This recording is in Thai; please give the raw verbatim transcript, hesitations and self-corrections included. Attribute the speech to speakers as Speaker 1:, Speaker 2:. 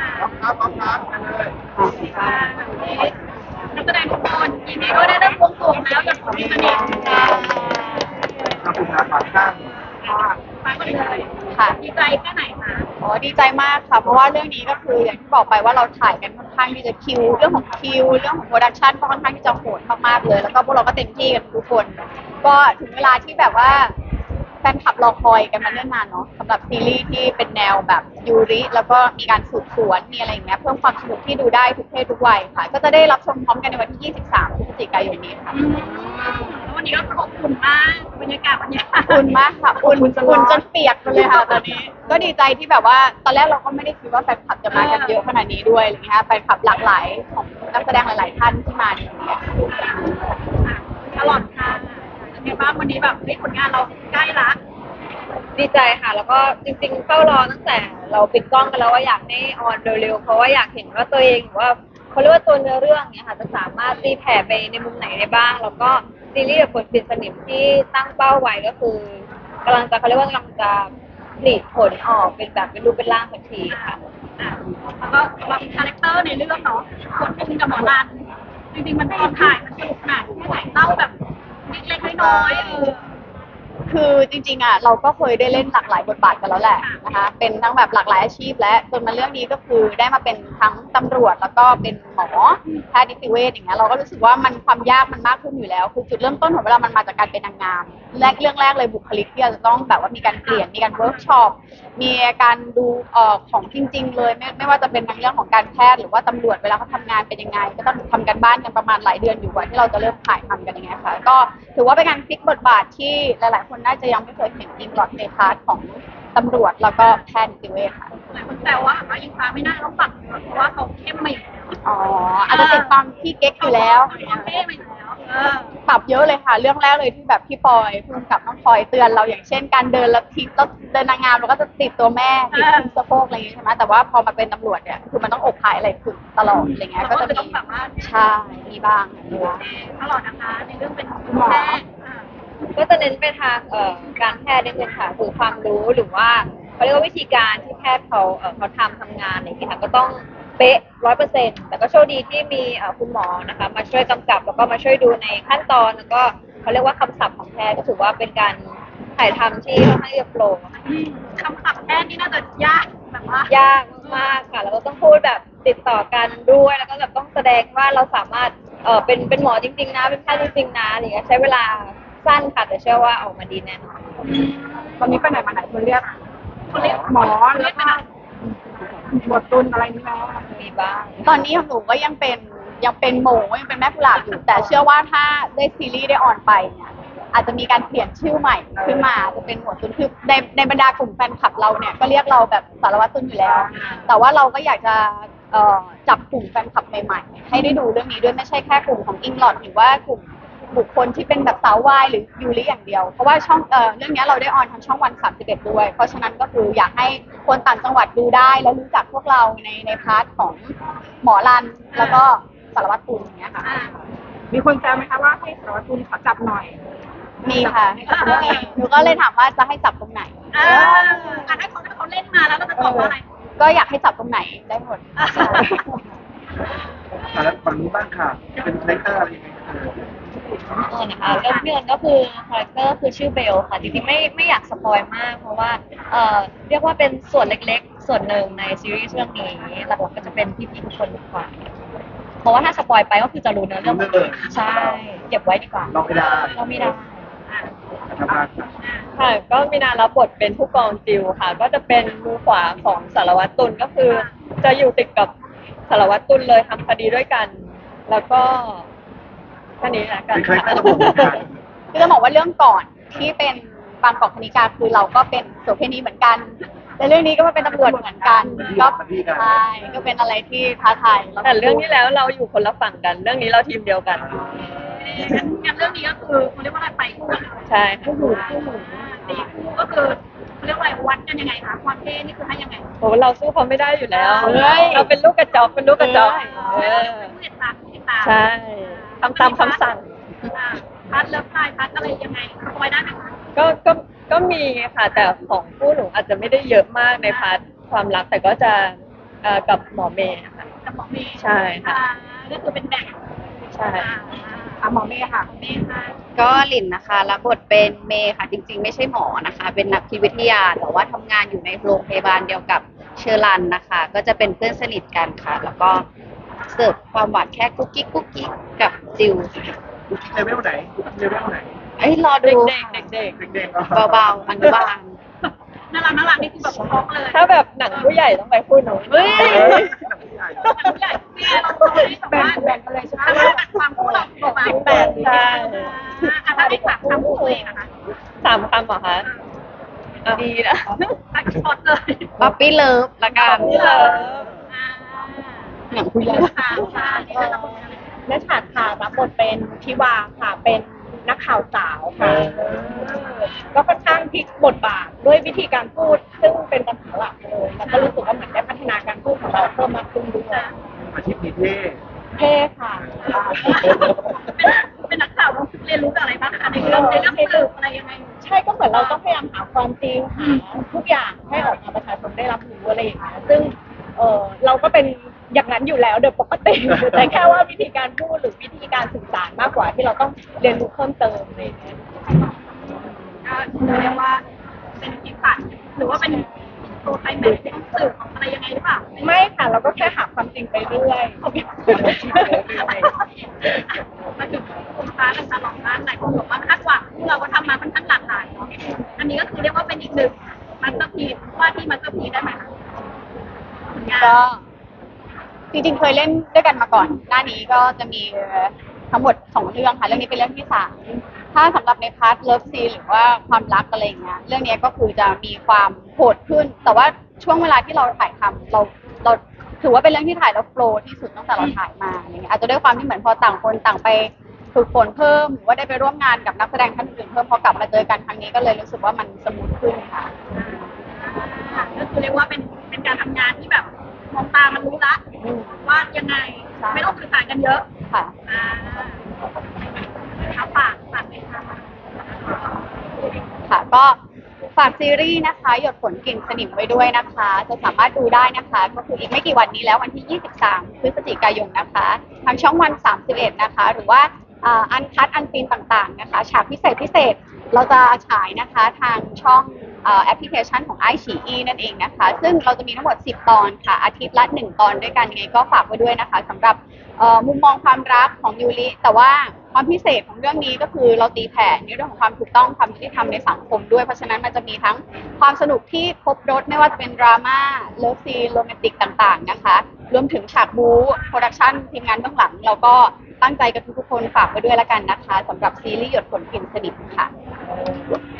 Speaker 1: ครับครับครับเลย
Speaker 2: ค่ะนักแสดงทุกคนยินดีด้วยได้เริ่มบวงสรวงแล้วจากคนที่สนิทค่ะ
Speaker 1: ครับคุณอาฝากข้าง
Speaker 2: ฟังกันเลย
Speaker 3: ค่ะ
Speaker 2: ดีใจแค่ไหนคะ
Speaker 3: อ๋อดีใจมากค่ะเพราะว่าเรื่องนี้ก็คืออย่างที่บอกไปว่าเราถ่ายกันค่อนข้างที่จะคิวเรื่องของคิวเรื่องของโปรดักชันก็ค่อนข้างที่จะโหดมากๆเลยแล้วก็พวกเราก็เต็มที่กันทุกคนก็ถึงเวลาที่แบบว่าแฟนคลับรอคอยกันมาเนิ่นนานเนาะสำหรับซีรีส์ที่เป็นแนวแบบยูริแล้วก็มีการสืบสวนมีอะไรอย่างเงี้ยเพิ่มความสนุกที่ดูได้ทุกเพศทุกวัยค่ะก็จะได้รับชมพร้อมกันในวันที่ยี่สิบสามพฤศจิกายนนี้ค่ะ
Speaker 2: อืมแล้ววันนี้ก็อบอุ่นมากบรรยากาศวันนี้
Speaker 3: อุ่นมากค่ะอุ่นอุ่นจนเปียกไปเลยค่ะตอนนี้ก็ดีใจที่แบบว่าตอนแรกเราก็ไม่ได้คิดว่าแฟนคลับจะมากันเยอะขนาดนี้ด้วยอะไรเงี้ยแฟนคลับหลากหลายของนักแสดงหลาย ๆ ท่านที่มาในวันนี้
Speaker 2: ตลอดค่ะเป็นไงบ้างวันนี้แบบเฮ้ยผลงานเราใกล้ละ
Speaker 4: ดีใจค่ะ แล้วก็จริงๆเฝ้ารอตั้งแต่เราปิดกล้องกันแล้วว่าอยากให้ออนเร็วๆเพราะว่าอยากเห็นว่าตัวเองหรือว่าเขาเรียกว่าตัวเนื้อเรื่องเนี่ยค่ะจะสามารถตีแผ่ไปในมุมไหนได้บ้าง แล้วก็ซีรีส์แบบผลปิดสนิมที่ตั้งเป้าไว้ก็คือกำลังจะเขาเรียกว่ากำลังจะผลิตผลออกเป็นแบบเป็นรูปเป็นร่างสักทีค่ะ
Speaker 2: อ่ะแล้วก็วางคาแรคเตอร์ในเรื่องเนาะคนคุมกับหมอรันจริงๆมันตอนถ่ายมันสนุกขนาดแค่ไหนเล่าแบบเล็กๆน้อยๆเออ
Speaker 3: คือจริงๆอ่ะเราก็เคยได้เล่นหลากหลายบทบาทกันแล้วแหละนะคะเป็นทั้งแบบหลากหลายอาชีพและจนมาเรื่องนี้ก็คือได้มาเป็นทั้งตำรวจแล้วก็เป็นหมอแพทย์นิติเวชอย่างเงี้ยเราก็รู้สึกว่ามันความยากมันมากขึ้นอยู่แล้วคือจุดเริ่มต้นของเวลามันมาจากการเป็นนางงามแรกเรื่องแรกเลยบุคลิกที่เราจะต้องแบบว่ามีการเปลี่ยนมีการเวิร์กช็อปมีการดูเอ่อของจริง ๆ เลยไม่ไม่ว่าจะเป็นทั้งเรื่องของการแพทย์หรือว่าตำรวจเวลาเขาทำงานเป็นยังไงก็ต้องทำกันบ้านกันประมาณหลายเดือนอยู่กว่าที่เราจะเริ่มถ่ายทำกันอย่างเงี้ยค่ะก็ถือว่าเป็นการพลิกบทบาทที่หลายๆคนน่าจะยังไม่เคยเห็นอิงหลอดในพาร์ทของตำรวจแล้วก็แพทย์นิติเวชค่ะ
Speaker 2: หลายคนแซวว่าว่าอิงฟ้าไม่น่าต้องปักเพราะว่าเขาเข้มมาอยู่แล้ว
Speaker 3: อ๋ออาจจะติดความพี่เก๊กอยู่แล้ว
Speaker 2: เขาเท่มาอยู่แล้วเออ
Speaker 3: ปรับเยอะเลยค่ะ เรื่องแรกเลยที่แบบพี่ปอยพุ่งกับน้องพลอยเตือนเราอย่างเช่นการเดินแล้วทิ้งแล้วเดินนางงามเราก็จะติดตัวแม่ติดทิ้งสะโพกอะไรอย่างงี้ใช่ไหมแต่ว่าพอมาเป็นตำรวจเนี่ยคือมันต้องอกภายอะไรฝึกตลอดอะไรเงี้ยก็จะ
Speaker 2: ต้อ
Speaker 3: มี
Speaker 2: งแบบว่า
Speaker 3: ใช่มีบ้างมีบ้าง
Speaker 2: ตลอดนะคะในเรื่องเป็น
Speaker 3: คุณหมอ
Speaker 2: แพทย์อ่า
Speaker 4: ก็จะเน้นไปทางเอ่อการแพทย์นิดนึงค่ะคือความรู้หรือว่าเขาเรียกว่าวิธีการที่แพทย์เขาเอ่อเขาทำทำงานอะไรอย่างเงี้ยค่ะก็ต้องเป๊ะร้อยเปอร์เซ็นต์แต่ก็โชคดีที่มีเอ่อคุณหมอนะคะมาช่วยกำกับแล้วก็มาช่วยดูในขั้นตอนแล้วก็เขาเรียกว่าคำศัพท์ของแพทย์ก็ถือว่าเป็นการถ่ายทำที่ค่อนข้างจะโปร่ง
Speaker 2: อืมคำศัพท์แพทย์นี่น่าจะยากแบบว่าย
Speaker 4: ากมากๆค่ะแล้วก็ต้องพูดแบบติดต่อกันด้วยแล้วก็แบบต้องแสดงว่าเราสามารถเอ่อเป็นเป็นหมอจริงๆนะเป็นแพทย์จริงๆนะอะไรอย่างเงี้ยใช้เวลาสั้นค่ะแต่เชื่อว่าออกมาดีแน่นอน
Speaker 3: ตอนนี้ไปไหนมาไหนคนเรียก
Speaker 2: คนเรียก
Speaker 3: หมอ
Speaker 2: เรียกไปไหน
Speaker 3: บทตุนอะไรนี่แล้ว
Speaker 4: มีบ้าง
Speaker 3: ตอนนี้ของหนูก็ยังเป็นยังเป็นหมูยังเป็นแม่กุหลาบอยู่ แต่เชื่อว่าถ้าได้ซีรีส์ได้ออนไปเนี่ยอาจจะมีการเปลี่ยนชื่อใหม่ขึ้นมาจะเป็นหมวดตุนคือในในบรรดากลุ่มแฟนคลับเราเนี่ยก็เรียกเราแบบสารวัตรตุนอยู่แล้ว แต่ว่าเราก็อยากจะเอ่อจับกลุ่มแฟนคลับใหม่ๆให้ได้ดูเรื่องนี้ด้วยไม่ใช่แค่กลุ่มของอิงลอดหรือว่ากลุ่มบุคคลที่เป็นแบบสาววายหรือยูริอย่างเดียวเพราะว่าช่องเอ่อเรื่องนี้เราได้ออนทางช่องวันสามสิบเอ็ดด้วยเพราะฉะนั้นก็คืออยากให้คนต่างจังหวัดดูได้แล้วรู้จักพวกเราในในพาร์ทของหมอรันแล้วก็สารวัตรตุลอย่างเงี้ยค่ะ
Speaker 2: อ่า
Speaker 5: มีคนแซวไหมคะว่าให้สารวัตรตุลขอจับหน่อย
Speaker 3: มีค่ะมีหนูก็เลยถามว่าจะให้จับตรงไหน
Speaker 2: อ่าอ่ะถ้าเขาถ้าเขาเล่นมาแล้วเราจะตอบว่าอะไร
Speaker 3: ก็อยากให้จับตรงไหนได้หมด
Speaker 2: อ่า
Speaker 1: แต่แล้วฝั่งนู้นบ้างค่ะ เป็นคาแรคเตอร์อะไรยังไงเออ
Speaker 4: เออนะคะเรื่องเดือนก็คือคาแรคเตอร์คือชื่อเบลค่ะจริงๆไม่ไม่อยากสปอยมาก เพราะว่าเอ่อเรียกว่าเป็นส่วนเล็กๆ ส่วนหนึ่งในซีรีส์เรื่องนี้หลักๆก็จะเป็นพี่ๆทุกคนมากกว่าเพราะว่าถ้าสปอยไปก็คือจะรู้เนื้อเรื่องหมดเลยใช่เก็บไว้ดีกว่า
Speaker 1: เราไม่ได้
Speaker 4: เราไม่ได้
Speaker 1: ทำงานค่ะ
Speaker 4: ค่ะก็มีนารับบทเป็นผู้กองจิวค่ะ ก็จะเป็นมือขวาของสารวัตรตุลก็คือ จะอยู่ติดกับสารวัตรตุลเลยทำคดีด้วยกัน แล้วก็แค่นี้ละกัน
Speaker 1: เป็นคาแรคเตอร์ระบบเหมือนกัน
Speaker 3: คือจะบอกว่าเรื่องก่อนที่เป็นบางกอกคณิกาคือเราก็เป็นโสเภณีเหมือนกันแต่เรื่องนี้ก็มาเป็นตำรวจเหมือนกันก็ใช่ก็เป็นอะไรที่ท้าทายล้วก็
Speaker 4: แต่เรื่องที่แล้วเราอยู่คนละฝั่งกัน เรื่องนี้เราทีมเดียวกัน
Speaker 2: งั้นงั้นเรื่องนี้ก็คือเขาเรียกว่าอะไรไปคู่กันเลย
Speaker 4: ใช่ค่ะ
Speaker 2: คู่หูคู่หูตีคู่ก็คือเขาเรียกว่าอะไรวัดกันยังไงคะความเท่นี่คือให้ยังไง
Speaker 4: โอ้เราสู้เขาไม่ได้อยู่แล้ว
Speaker 3: เฮ้ย
Speaker 4: เราเป็นลูกกระจอกเป็นลูกกระจอกเออ
Speaker 2: ผู้ติดตามผู้ติดตาม
Speaker 4: ใช่ทำตามคำสั่ง
Speaker 2: อ่าพัดเลิฟไลน์พัดอะไรยังไงสปอยได้ไหมคะ
Speaker 4: ก็ก็ก็มีค่ะแต่ของผู้หนูอาจจะไม่ได้เยอะมากในพาร์ทความรักแต่ก็จะเอ่อกับหมอเมย์ค่ะ
Speaker 2: กับหมอเมย์
Speaker 4: ใช่ค่ะ
Speaker 2: อ่าก็คือเป็นแบ่ง
Speaker 4: ใช่
Speaker 2: อ่า
Speaker 5: อ่ะหมอเมย์ค่ะ
Speaker 2: เมย์ค่ะ
Speaker 3: ก็หลินนะคะรับบทเป็นเมย์ค่ะจริงๆไม่ใช่หมอนะคะ เป็นนักพิวิทยาแต่ว่าทำงานอยู่ในโรงพยาบาลเดียวกับเชอรันนะคะ ก็จะเป็นเพื่อนสนิทกันค่ะ แล้วก็เสิร์ฟความหวานแค่กุ๊กกิ๊กกุ๊กกิ๊กกับจิวค่ะ
Speaker 1: เลเวลไหนเลเวลไหน
Speaker 3: เอ้ยรอ
Speaker 4: เด็
Speaker 3: ดู
Speaker 4: กเด็กเด็กเด็ก
Speaker 1: เด็กๆ
Speaker 3: เบาๆอนุบาล
Speaker 2: น่ารักน่ารักนี่คือแบบช็อกเลย
Speaker 4: ถ้าแบบหนังผู้ใหญ่ต้องไปพูดหนูเฮ้ย
Speaker 1: เฮ้ยหนังผู้ใหญ่
Speaker 2: แต่ผู้ใหญ่พี่เราเราไม่แบบว่า
Speaker 5: แบ่งกันเลยใช่ไหม
Speaker 2: ถ้าเราตัดความคู่เราออกมา
Speaker 4: สิบแปดใช่
Speaker 2: อ่าถ้าได้ฝากคำพูดตัวเองนะคะ
Speaker 4: สามคำเหรอคะดีนะ
Speaker 2: ตัดช็อตเลย
Speaker 3: ป๊อปปี้เลิฟละกัน
Speaker 4: Puppy Love
Speaker 2: อ่า
Speaker 3: หนังผู้ใหญ่
Speaker 2: ค่ะค่ะนี่ก็จะเป็นอะไร
Speaker 5: แม่ฉาดค่ะรับบทเป็นทิวาค่ะ เป็นนักข่าวสาวค่ะก็ค่อนข้างพลิกบทบาทด้วยวิธีการพูด ซึ่งเป็นปัญหาหลักเลยแล้วก็รู้สึกว่าเหมือนได้พัฒนาการพูดของเราเพิ่มมากขึ้นด้วย
Speaker 1: อาชีพนี้เท่
Speaker 5: เท่ค่ะ
Speaker 2: เป็นเป็นนักข่าวเราเรียนรู้จากอะไรบ้างคะในเรื่องในเรื่องสืบอะไรยังไง
Speaker 5: ใช่ก็เหมือนเราต้องพยายามหาความจริงหาทุกอย่างให้ออกมาประชาชนได้รับรู้อะไรอย่างเงี้ยซึ่งเออเราก็เป็นอย่างนั้นอยู่แล้วโดยปกติ แต่แค่ว่าวิธีการพูดหรือวิธีการสื่อสารมากกว่าที่เราต้องเรียนรู้เพิ่มเติมอะไรอย่างเงี้ย
Speaker 2: ก็เรียกว่าเป็นที่ฝันหรือว่าเป็นตัวไทยแบบที่ต้องสืบอะไรยังไงหรือเปล่า
Speaker 5: ไม่ค่ะเราก็แค่หาความจริงไปเรื่อย
Speaker 2: มาถึงคุณฟ้ากันตลอดด้านหลายคนบอกว่าคาดหวังที่เราก็ทำมาค่อนข้างหลากหลายเนาะอันนี้ก็คือเรียกว่าเป็นอีกหนึ่งมาสเตอร์พีซว่าที่มาสเตอร์พีซได้ไหมคะผลงาน
Speaker 3: ก็จริงๆเคยเล่นด้วยกันมาก่อน หน้านี้ก็จะมีทั้งหมดสองเรื่องค่ะ เรื่องนี้เป็นเรื่องที่สามถ้าสำหรับในพาร์ทเลิฟซีหรือว่าความรักอะไรอย่างเงี้ย เรื่องนี้ก็คือจะมีความโหดขึ้น แต่ว่าช่วงเวลาที่เราถ่ายทำเราเราถือว่าเป็นเรื่องที่ถ่ายแล้วโฟลว์ที่สุดตั้งแต่เราถ่ายมาอย่างเงี้ยอาจจะด้วยความที่เหมือนพอต่างคนต่างไปฝึกฝนเพิ่มหรือว่าได้ไปร่วมงานกับนักแสดงท่านอื่นเพิ่มพอกลับมาเจอกันครั้งนี้ก็เลยรู้สึกว่ามันสมูทขึ้นค่ะ
Speaker 2: อ่าก็คือเรียกว่าเป็นเป็นการทำงานที่แบบมองตามันรู้ละว่ายังไงไม่ต้องสื่อสารกันเยอะ
Speaker 3: ค่ะ
Speaker 2: อ่าเอาฝากฝากเลยค่ะ
Speaker 3: ค่ะก็ฝากซีรีส์นะคะ หยดฝนกลิ่นสนิมไว้ด้วยนะคะ จะสามารถดูได้นะคะ ก็คืออีกไม่กี่วันนี้แล้ววันที่ ยี่สิบสาม พฤศจิกายนนะคะ ทางช่องวัน สามสิบเอ็ด นะคะ หรือว่าอันคัดอันซีนต่างๆนะคะ ฉากพิเศษพิเศษเราจะฉายนะคะทางช่องแอปพลิเคชันของ ไอ ซี อี นั่นเองนะคะ ซึ่งเราจะมีทั้งหมด สิบ ตอนค่ะ อาทิตย์ละหนึ่งตอนด้วยกันยังไงก็ฝากไว้ด้วยนะคะสำหรับเอ่อมุมมองความรักของยูริแต่ว่าความพิเศษของเรื่องนี้ก็คือเราตีแผ่ในเรื่องของความถูกต้องความยุติธรรมในสังคมด้วยเพราะฉะนั้นมันจะมีทั้งความสนุกที่ครบรถไม่ว่าจะเป็นดราม่าเลิฟซีนโรแมนติกต่างๆนะคะรวมถึงฉากบู๊โปรดักชั่นทีมงานเบื้องหลังเราก็ตั้งใจกับทุกๆคนฝากไว้ด้วยละกันนะคะสำหรับซีรีส์หยดฝนกลิ่นสนิทค่ะ